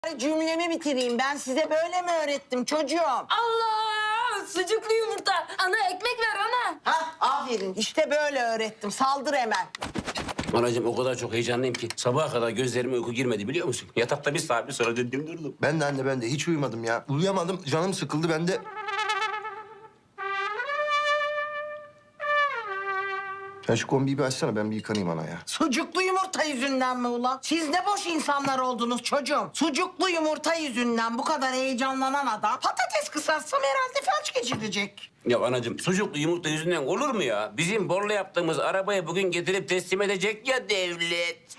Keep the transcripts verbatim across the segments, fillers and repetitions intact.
Cümlemi bitireyim. Ben size böyle mi öğrettim çocuğum? Allah! Sucuklu yumurta. Ana ekmek ver ana. Ha, aferin. İşte böyle öğrettim. Saldır hemen. Anacığım o kadar çok heyecanlıyım ki sabaha kadar gözlerime uyku girmedi biliyor musun? Yatakta bir saat bir sonra döndüm durdum. Ben de anne ben de hiç uyumadım ya. Uyuyamadım, canım sıkıldı ben de. Sen şu kombiyi bir açsana, ben bir yıkanayım ana ya. Sucuklu yumurta yüzünden mi ulan? Siz ne boş insanlar oldunuz çocuğum. Sucuklu yumurta yüzünden bu kadar heyecanlanan adam patates kısaltsam herhalde felç geçirecek. Ya anacığım sucuklu yumurta yüzünden olur mu ya? Bizim borla yaptığımız arabayı bugün getirip teslim edecek ya devlet.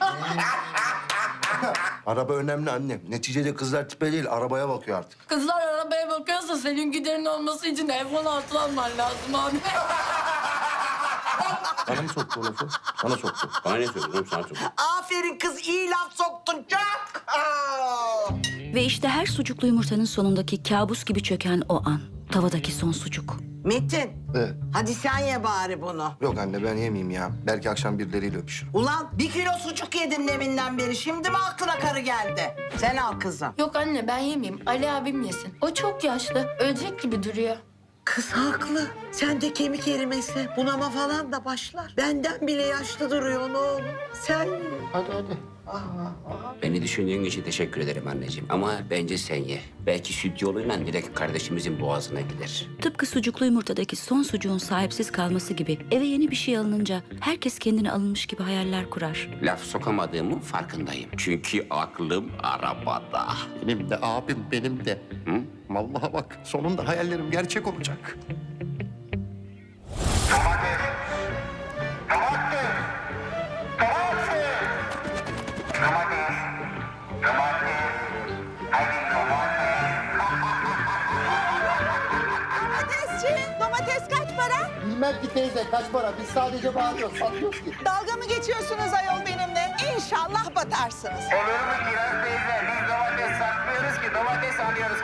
Araba önemli anne. Neticede kızlar tipe değil, arabaya bakıyor artık. Kızlar arabaya bakıyorsa senin giderin olması için iPhone altı alman lazım abi. Bana mı soktu o lafı? Sana soktu. Bana ne söylüyorsun sana çok. Aferin kız, iyi laf soktun çok. Aa! Ve işte her sucuklu yumurtanın sonundaki kabus gibi çöken o an. Tavadaki son sucuk. Metin, Evet. hadi sen ye bari bunu. Yok anne ben yemeyeyim ya. Belki akşam birileriyle öpüşürüm. Ulan bir kilo sucuk yedin deminden beri. Şimdi mi aklına karı geldi? Sen al kızım. Yok anne ben yemeyeyim. Ali abim yesin. O çok yaşlı. Ölecek gibi duruyor. Kız haklı. Sen de kemik erimesi, bunama falan da başlar. Benden bile yaşlı duruyor oğlum. Sen Hadi hadi. Beni düşündüğün için teşekkür ederim anneciğim. Ama bence sen ye. Belki süt yoluyla direkt kardeşimizin boğazına gider. Tıpkı sucuklu yumurtadaki son sucuğun sahipsiz kalması gibi eve yeni bir şey alınınca herkes kendine alınmış gibi hayaller kurar. Laf sokamadığımın farkındayım. Çünkü aklım arabada. Benim de abim, benim de. Hı? Vallahi bak sonunda hayallerim gerçek olacak. Domatesçi, domates kaç para? Bilmem ki teyze kaç para. Biz sadece bağırıyoruz, satmıyoruz ki. Dalga mı geçiyorsunuz ayol benimle? İnşallah batarsınız. Olur mu Kiraz teyze? Biz domates satmıyoruz ki domates alıyoruz.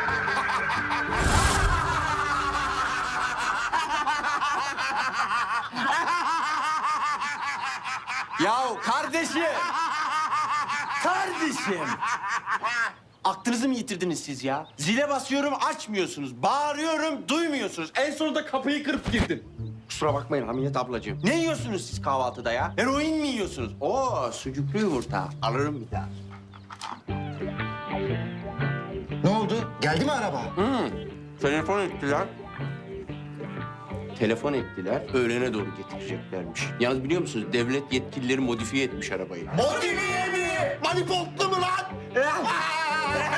Yahu kardeşim! Kardeşim! Aklınızı mı yitirdiniz siz ya? Zile basıyorum açmıyorsunuz. Bağırıyorum duymuyorsunuz. En sonunda kapıyı kırıp girdim. Kusura bakmayın Hamiyet ablacığım. Ne yiyorsunuz siz kahvaltıda ya? Eroin mi yiyorsunuz? Oo sucuklu yumurta. Alırım bir daha. Ne oldu? Geldi mi araba? Hı, telefon ettiler. Telefon ettiler. Öğlene doğru getireceklermiş. Yalnız biliyor musunuz? Devlet yetkilileri modifiye etmiş arabayı. Modifiye mi? Manipotlu mu lan?